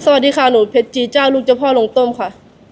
สวัสดีค่ะหนูเพชรจีเจ้าลูกเจ้าพ่อลงต้มค่ะ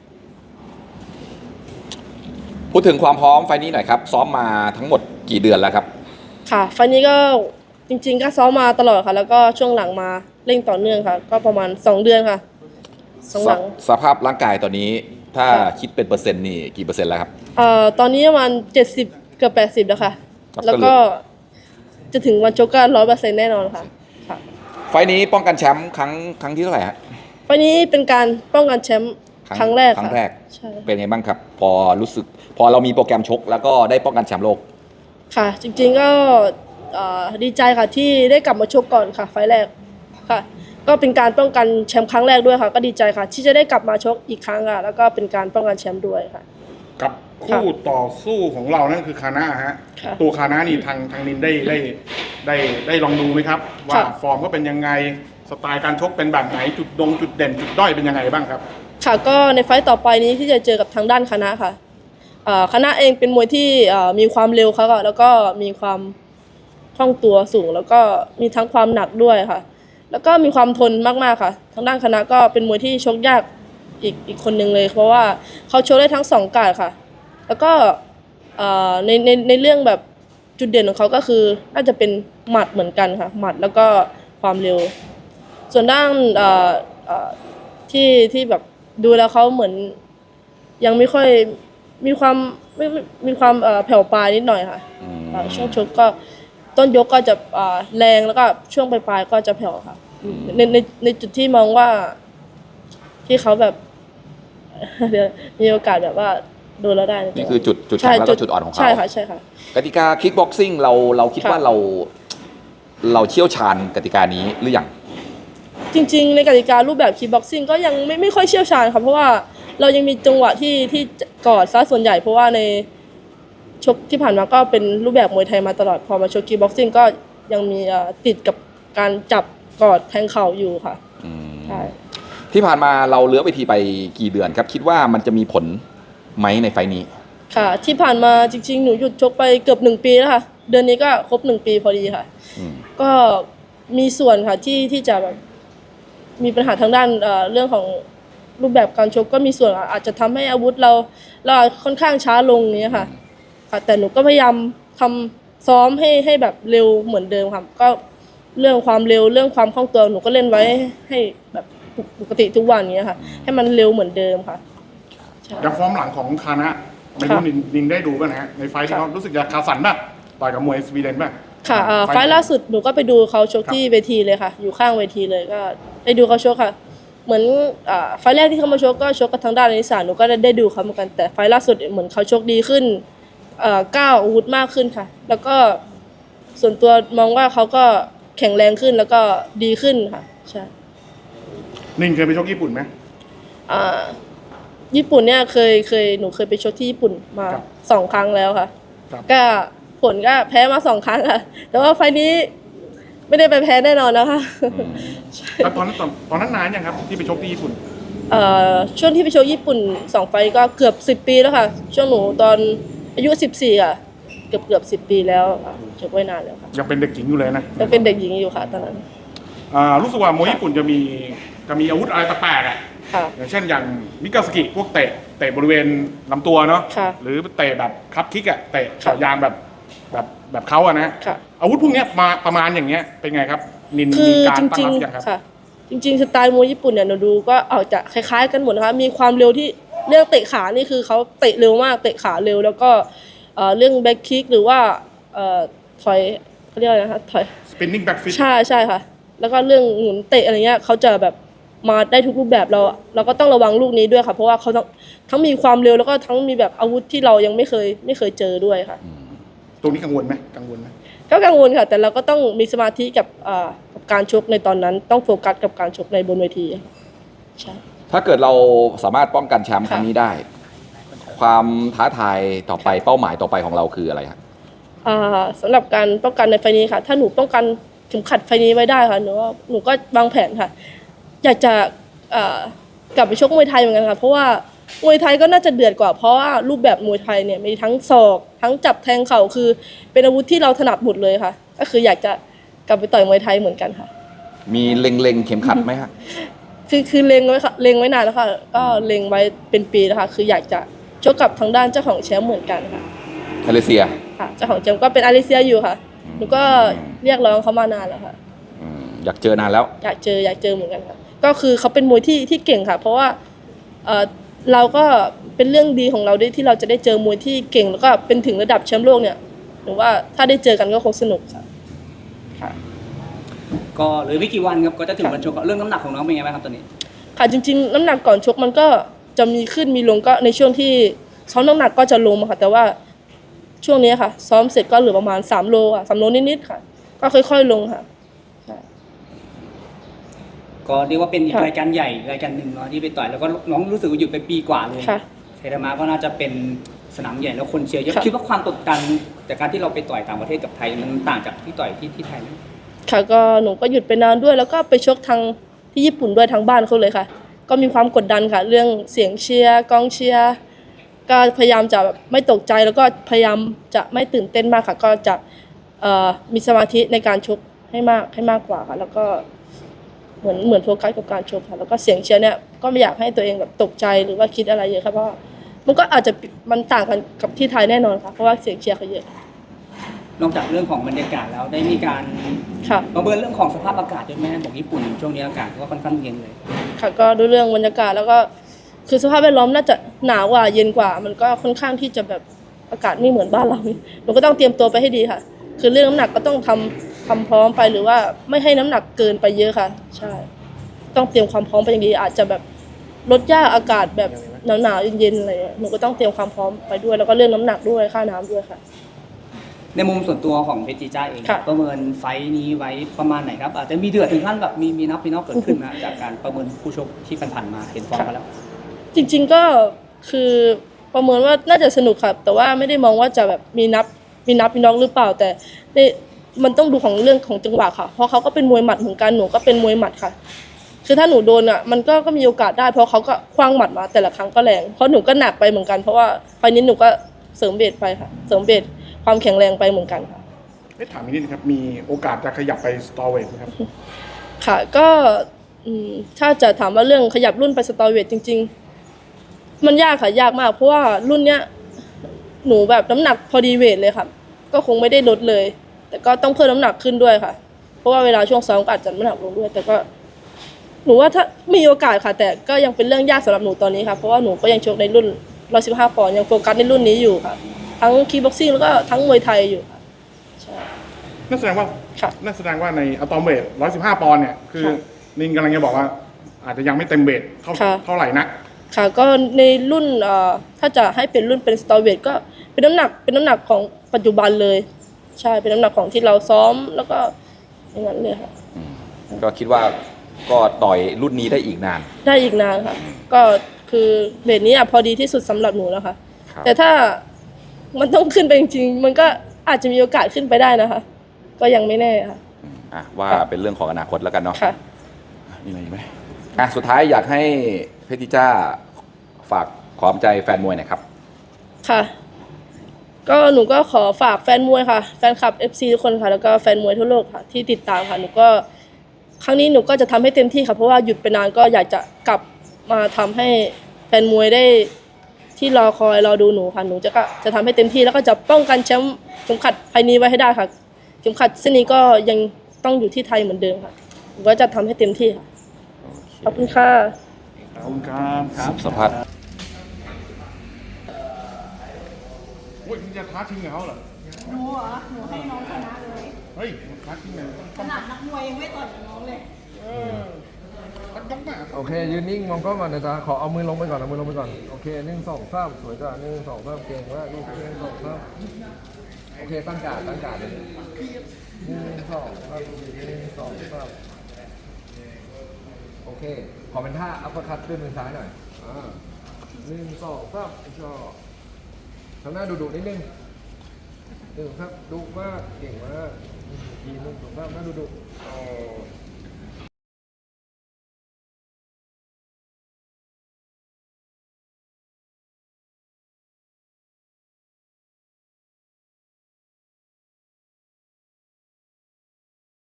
พูดถึงความพร้อมไฟล์นี้หน่อยครับซ้อมมาทั้งหมดกี่เดือนแล้วครับค่ะไฟล์นี้ก็จริงๆก็ซ้อมมาตลอดค่ะแล้วก็ช่วงหลังมาเร่งต่อเนื่องค่ะก็ประมาณ2เดือนค่ะหลังสภาพร่างกายตอนนี้ถ้าคิดเป็นเปอร์เซ็นต์นี่กี่เปอร์เซ็นต์แล้วครับตอนนี้ประมาณ70เกือบ80แล้วค่ะแล้วก็จะถึงวันชกก็100%แน่นอนค่ะไฟล์นี้ป้องกันแชมป์ครั้งที่เท่าไหร่ฮะไฟล์นี้เป็นการป้องกันแชมป์ครั้งแรกค่ะใช่เป็นไงบ้างครับพอเรามีโปรแกรมชกแล้วก็ได้ป้องกันแชมป์โลกค่ะจริงๆก็ดีใจค่ะที่ได้กลับมาชกก่อนค่ะไฟล์แรกค่ะก็เป็นการป้องกันแชมป์ครั้งแรกด้วยค่ะก็ดีใจค่ะที่จะได้กลับมาชกอีกครั้งค่ะแล้วก็เป็นการป้องกันแชมป์ด้วยค่ะกับคู่ต่อสู้ของเรานั่นคือคานะฮะตัวคานะนี่ทางนินได้ลองดูไหมครับว่าฟอร์มก็เป็นยังไงสไตล์การชกเป็นแบบไหนจุดเด่นจุดด้อยเป็นยังไงบ้างครับค่ะก็ในไฟต์ต่อไปนี้ที่จะเจอกับทางด้านคณะค่ะคณะเองเป็นมวยที่มีความเร็วค่ะแล้วก็มีความคล่องตัวสูงแล้วก็มีทั้งความหนักด้วยค่ะแล้วก็มีความทนมากๆค่ะทางด้านคณะก็เป็นมวยที่ชกยากอีกคนหนึ่งเลยเพราะว่าเขาชกได้ทั้ง2การ์ดค่ะแล้วก็ในเรื่องแบบจุดเด่นของเขาก็คือน่าจะเป็นหมัดเหมือนกันค่ะหมัดแล้วก็ความเร็วส่วนด้านที่แบบดูแล้วเขาเหมือนยังไม่ค่อยมีความแผ่วปลายนิดหน่อยค่ะช่วงชกก็ต้นยกก็จะแรงแล้วก็ช่วงปลายก็จะแผ่วค่ะในจุดที่มองว่าที่เขาแบบมีโอกาสแบบว่าโดนแล้วได้นี่คือจุดแข็งแล้วก็จุดอ่อนของเขาใช่ค่ะใช่ค่ะกติกาคิกบ็อกซิ่งเราคิดว่าเราเชี่ยวชาญกติกานี้หรือยังจริงๆในกติการูปแบบคิกบ็อกซิ่งก็ยังไม่ค่อยเชี่ยวชาญค่ะเพราะว่าเรายังมีจังหวะที่กอดซะส่วนใหญ่เพราะว่าในชกที่ผ่านมาก็เป็นรูปแบบมวยไทยมาตลอดพอมาชกคิกบ็อกซิ่งก็ยังมีติดกับการจับกอดแทงเข่าอยู่ค่ะใช่ที่ผ่านมาเราเลื้อเวทีไปกี่เดือนครับคิดว่ามันจะมีผลไหมในไฟนี้ค่ะที่ผ่านมาจริงๆหนูหยุดชกไปเกือบ1 ปีแล้วค่ะเดือนนี้ก็ครบ1 ปีพอดีค่ะก็มีส่วนค่ะที่จะแบบมีปัญหาทางด้านเรื่องของรูปแบบการชกก็มีส่วนอาจจะทำให้อาวุธเราค่อนข้างช้าลงนี้ค่ะแต่หนูก็พยายามทำซ้อมให้แบบเร็วเหมือนเดิมค่ะก็เรื่องความเร็วเรื่องความคล่องตัวหนูก็เล่นไว้ให้แบบปกติทุกวันนี้ค่ะให้มันเร็วเหมือนเดิมค่ะอย่างฟอร์มหลังของคานะไม่รู้นินได้ดูป่ะนะฮะในไฟที่เขารู้สึกจะคาสันป่ะต่อยกับมวยสวีเดนป่ะค่ะไฟล่าสุดหนูก็ไปดูเขาชกที่เวทีเลยค่ะอยู่ข้างเวทีเลยก็ได้ดูเขาชกค่ะเหมือนไฟแรกที่เขามาชกก็ชกกับทางด้านนิสานหนูก็ได้ดูเขาเหมือนกันแต่ไฟล่าสุดเหมือนเขาชกดีขึ้นก้าวอาวุธมากขึ้นค่ะแล้วก็ส่วนตัวมองว่าเขาก็แข็งแรงขึ้นแล้วก็ดีขึ้นค่ะใช่นินเคยไปชกญี่ปุ่นไหมญี่ปุ่นเนี่ยหนูเคยไปชกที่ญี่ปุ่นมา2 ครั้งแล้วค่ะก็ผลก็แพ้มา2 ครั้งค่ะแต่ว่าไฟนี้ไม่ได้ไปแพ้แน่นอนนะคะแล้วตอนนั้นนานยังครับที่ไปชกที่ญี่ปุ่นช่วงที่ไปชกญี่ปุ่น2 ไฟก็เกือบ10 ปีแล้วค่ะช่วงหนูตอนอายุ14ค่ะเกือบ10 ปีแล้วชกไว้นานแล้วค่ะยังเป็นเด็กหญิงอยู่เลยนะยังเป็นเด็กหญิงอยู่ค่ะตอนนั้นรู้สึกว่ามวยญี่ปุ่นจะมีอาวุธอะไรแปลกๆอย่างเช่นอย่างมิกาสกิพวกเตะบริเวณลำตัวเนาะหรือเตะแบบคัพคิกเตะเฉายางแบบเขานะอาวุธพวกนี้มาประมาณอย่างเงี้ยเป็นไงครับนินมีการตั้งรับยังครับจริงๆสไตล์มวยญี่ปุ่นเนี่ยหนูดูก็เอาจะคล้ายๆกันหมดนะคะมีความเร็วที่เรื่องเตะขานี่คือเขาเตะเร็วมากเตะขาเร็วแล้วก็เรื่องแบ็คคิกหรือว่าถอยเขาเรียกอะไรนะคะถอย spinning back fist ใช่ค่ะแล้วก็เรื่องหมุนเตะอะไรเงี้ยเขาจะแบบมาได้ทุกรูปแบบเราก็ต้องระวังลูกนี้ด้วยค่ะเพราะว่าเขาทั้งมีความเร็วแล้วก็ทั้งมีแบบอาวุธที่เรายังไม่เคยเจอด้วยค่ะตรงนี้กังวลไหมก็กังวลค่ะแต่เราก็ต้องมีสมาธิกับการชกในตอนนั้นต้องโฟกัสกับการชกในบนเวทีใช่ถ้าเกิดเราสามารถป้องกันแชมป์ครั้งนี้ได้ความท้าทายต่อไปเป้าหมายต่อไปของเราคืออะไรครับสำหรับการป้องกันในไฟนี้ค่ะถ้าหนูป้องกันเข็มขัดไฟนี้ไว้ได้ค่ะหนูก็วางแผนค่ะอยากจะกลับไปชกมวยไทยเหมือนกันค่ะเพราะว่ามวยไทยก็น่าจะเดือดกว่าเพราะว่ารูปแบบมวยไทยเนี่ยมีทั้งศอกทั้งจับแทงเข่าคือเป็นอาวุธที่เราถนัดหมดเลยค่ะก็คืออยากจะกลับไปต่อยมวยไทยเหมือนกันค่ะมีเล็งเข็มขัดไหมคะคือเล็งไว้ค่ะเล็งไว้นานแล้วค่ะก็เล็งไว้เป็นปีแล้วค่ะคืออยากจะชกกับทางด้านเจ้าของแชมป์เหมือนกันค่ะมาเลเซียค่ะเจ้าของแชมป์ก็เป็นอาริเซียอยู่ค่ะหนูก็เรียกร้องเขามานานแล้วค่ะอยากเจอนานแล้วอยากเจอเหมือนกันค่ะก็คือเขาเป็นมวยที่เก่งค่ะ เพราะว่าเราก็เป็นเรื่องดีของเราด้วยที่เราจะได้เจอมวยที่เก่งแล้วก็เป็นถึงระดับแชมป์โลกเนี่ยหนูว่าถ้าได้เจอกันก็คงสนุกค่ะค่ะก็เหลือไม่กี่วันครับก็จะถึงวันชกเรื่องน้ำหนักของน้องเป็นไงบ้างครับตอนนี้ค่ะจริงๆน้ำหนักก่อนชกมันก็จะมีขึ้นมีลงก็ในช่วงที่ซ้อมน้ำหนักก็จะลงมาค่ะแต่ว่าช่วงนี้ค่ะซ้อมเสร็จก็เหลือประมาณ3 โลอ่ะ3 โลนิดๆค่ะก็ค่อยๆลงค่ะก็เรียกว่าเป็นอีกค่ะรายการใหญ่รายการหนึ่งเนาะที่ไปต่อยแล้วก็น้องรู้สึกว่าหยุดไปปีกว่าเลยค่ะเทรามาก็น่าจะเป็นสนามใหญ่แล้วคนเชียร์เยอะค่ะคิดว่าความกดดันจากการที่เราไปต่อยต่างประเทศกับไทยมันต่างจากที่ต่อยที่ไทยไหมค่ะก็หนูก็หยุดไปนานด้วยแล้วก็ไปชกทางที่ญี่ปุ่นด้วยทางบ้านเขาเลยค่ะ ก็มีความกดดันค่ะ เรื่องเสียงเชียร์กองเชียร์ก็พยายามจะแบบไม่ตกใจแล้วก็พยายามจะไม่ตื่นเต้นมากค่ะ ก็จะมีสมาธิในการชกให้มากกว่าค่ะแล้วก็เหมือนโฟกัสกับการชกค่ะแล้วก็เสียงเชียร์เนี่ยก็ไม่อยากให้ตัวเองแบบตกใจหรือว่าคิดอะไรเยอะค่ะเพราะว่ามันก็อาจจะมันต่างกันกับที่ไทยแน่นอนค่ะเพราะว่าเสียงเชียร์เขาเยอะนอกจากเรื่องของบรรยากาศแล้วได้มีการค่ะประเมินเรื่องของสภาพอากาศด้วยไหมบอกญี่ปุ่นช่วงนี้อากาศก็ค่อนข้างเย็นเลยค่ะก็ดูเรื่องบรรยากาศแล้วก็คือสภาพแวดล้อมน่าจะหนาวกว่าเย็นกว่า มันก็ค่อนข้างที่จะแบบอากาศไม่เหมือนบ้านเราหนูก็ต้องเตรียมตัวไปให้ดีค่ะ คือเรื่องน้ำหนักก็ต้องทำพร้อมไปหรือว่าไม่ให้น้ำหนักเกินไปเยอะค่ะใช่ต้องเตรียมความพร้อมไปอย่างดีอาจจะแบบลดยากอากาศแบบหนาวๆเย็นๆอะไรอย่างเงี้ยหนูก็ต้องเตรียมความพร้อมไปด้วยแล้วก็เรื่องน้ำหนักด้วยค่าน้ำด้วยค่ะในมุมส่วนตัวของเพชรจีจ้าเองค่ะประเมินไฟท์นี้ไว้ประมาณไหนครับอาจจะมีเดือดถึงขั้นแบบมีนับมีนอกเกิดขึ้นนะจากการประเมินผู้ชกที่ผ่านๆมาเห็นฟอร์มมาแล้วจริงๆก็คือประเมินว่าน่าจะสนุกค่ะแต่ว่าไม่ได้มองว่าจะแบบมีน็อกหรือเปล่าแต่มันต้องดูของเรื่องของจังหวะค่ะเพราะเขาก็เป็นมวยหมัดเหมือนกันหนูก็เป็นมวยหมัดค่ะ คือถ้าหนูโดนอ่ะมันก็มีโอกาสได้เพราะเขาก็คว้างหมัดมาแต่ละครั้งก็แรงเพราะหนูก็หนักไปเหมือนกันเพราะว่าไฟล์นี้หนูก็เสริมเบสไปค่ะเสริมเบสความแข็งแรงไปเหมือนกันค่ะถามนิดนึงครับมีโอกาสจะขยับไปสตอเวทไหมครับค่ะก็ถ้าจะถามว่าเรื่องขยับรุ่นไปสตอเวทจริง ๆ มันยากค่ะยากมากเพราะว่ารุ่นเนี้ยหนูแบบน้ำหนักพอดีเวทเลยค่ะก็คงไม่ได้ลดเลย แต่ก็ต้องเพิ่มน้ำหนักขึ้นด้วยค่ะ เพราะว่าเวลาช่วงซ้อมก็อาจจะน้ำหนักลงด้วย แต่ก็หนูว่าถ้ามีโอกาสค่ะ แต่ก็ยังเป็นเรื่องยากสำหรับหนูตอนนี้ค่ะเพราะว่าหนูก็ยังชกในรุ่น115 ปอนด์ยังโฟกัสในรุ่นนี้อยู่ค่ะทั้งคีบ็อกซิ่งแล้วก็ทั้งมวยไทยอยู่ค่ะใช่นั่นแสดงว่าค่ะนั่นแสดงว่าในอะตอมเวท115 ปอนด์เนี่ยคือค่ะนินกำลังจะบอกว่า อาจจะยังไม่เต็มเวทเท่าค่ะเท่าไหร่นักค่ะก็ในรุ่นถ้าจะให้เป็นรุ่นเป็นสตอเวทก็เป็นน้ำหนักของปัจจุบันเลย ใช่เป็นน้ำหนักของที่เราซ้อมแล้วก็อย่างนั้นเลยค่ะก็คิดว่าก็ต่อยรุ่นนี้ได้อีกนานได้อีกนานค่ะ ก็คือเวทนี้พอดีที่สุดสำหรับหนูแล้วค่ะครับแต่ถ้ามันต้องขึ้นไปจริงๆมันก็อาจจะมีโอกาสขึ้นไปได้นะคะ ก็ยังไม่แน่ค่ะว่าเป็นเรื่องของอนาคตแล้วกันเนาะค่ะมีอะไรอีกไหมสุดท้ายอยากให้เพชรจ้าฝากขอมใจแฟนมวยหน่อยครับค่ะ ก็หนูก็ขอฝากแฟนมวยค่ะ แฟนคลับ FC ทุกคนค่ะ แล้วก็แฟนมวยทั่วโลกค่ะ ที่ติดตามค่ะ หนูก็ครั้งนี้หนูก็จะทำให้เต็มที่ค่ะ เพราะว่าหยุดไปนานก็อยากจะกลับมาทำให้แฟนมวยได้ที่รอคอยรอดูหนูค่ะ หนูจะทำให้เต็มที่แล้วก็จะป้องกันแชมป์เข็มขัดไฟล์นี้ไว้ให้ได้ค่ะ เข็มขัดเส้นนี้ก็ยังต้องอยู่ที่ไทยเหมือนเดิมค่ะ หนูก็จะทำให้เต็มที่ค่ะ ขอบคุณค่ะขอบคุณครับสัมภาษณ์โอ้ยมึงจะท้าชิงกับเขาเหรอหนูเหรอ หนูให้น้องชนะเลยเฮ้ยท้าชิงเลยขนาดนักมวยยังไม่ต่อยกับน้องเลยมันต้องมาโอเค ยืนนิ่งมองกล้องก่อนนะจ๊ะขอเอามือลงไปก่อนเอามือลงไปก่อนโอเค1 2 3สวยจ้ะ1 2 3เก่งมากลูก1 2 3โอเคตั้งการ์ดเลย1 2 3 1 2 3โอเคขอเป็นท่าอัปเปอร์คัตด้วยมือซ้ายหน่อย1 2 3ชอบทำหน้าดุๆนิดนึง1ครับดุมากเก่งมากอีกที1 2 3หน้าดุๆ